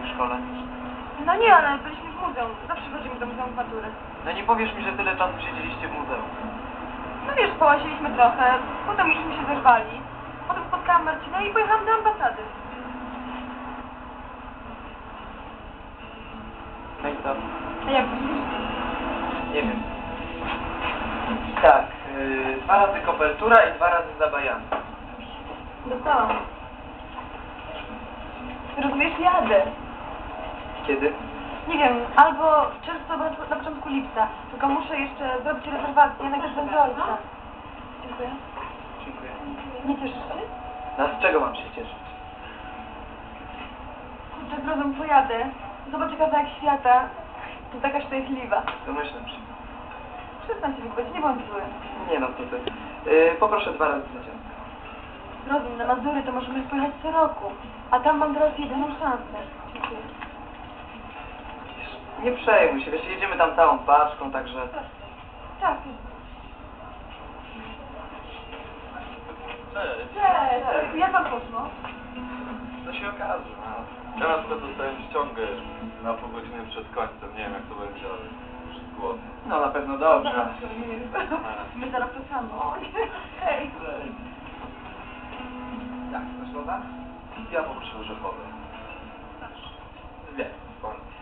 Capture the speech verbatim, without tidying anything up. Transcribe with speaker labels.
Speaker 1: w szkole?
Speaker 2: No nie, ale byliśmy w muzeum. Zawsze chodzimy do muzeum matury.
Speaker 1: No nie powiesz mi, że tyle czasu siedzieliście w muzeum.
Speaker 2: No wiesz, połaziliśmy trochę, potem żeśmy się zerwali. Potem spotkałam Marcina i pojechałam do ambasady.
Speaker 1: No i co?
Speaker 2: A jak myślisz?
Speaker 1: Nie wiem. Tak, yy, dwa razy kopertura i dwa razy zabajany.
Speaker 2: Dostałam. Rozumiesz, jadę.
Speaker 1: Kiedy?
Speaker 2: Nie wiem, albo w czerwcu, albo na początku lipca. Tylko muszę jeszcze zrobić rezerwację, najpierw do ojca. Dziękuję.
Speaker 1: Dziękuję.
Speaker 2: Nie cieszysz się?
Speaker 1: No a z czego mam się cieszyć?
Speaker 2: Kurczę, zrozum, pojadę. Zobacz kawałek świata. To taka szczęśliwa.
Speaker 1: Domyślam się.
Speaker 2: Przestań się wypowiedzieć, nie bądź zły.
Speaker 1: Nie no, to ty. Yy, poproszę dwa razy za ciastko.
Speaker 2: Zrozum, na Mazury to możemy pojechać co roku. A tam mam teraz jedyną szansę. Dziękuję.
Speaker 1: Nie przejmuj się, wiesz, jedziemy tam całą paczką, także...
Speaker 2: Tak.
Speaker 3: Cześć.
Speaker 2: Cześć. Jak wam poszło?
Speaker 3: To się okaże. No. Ja na przykład dostałem ściągę na pół godziny przed końcem. Nie wiem jak to będzie, ale już jest głodny.
Speaker 1: No na pewno dobrze.
Speaker 2: My zaraz to samo. Hej.
Speaker 1: Tak, masz woda?
Speaker 3: Ja poproszę orzechowe.
Speaker 1: Dwie.
Speaker 3: Skąd?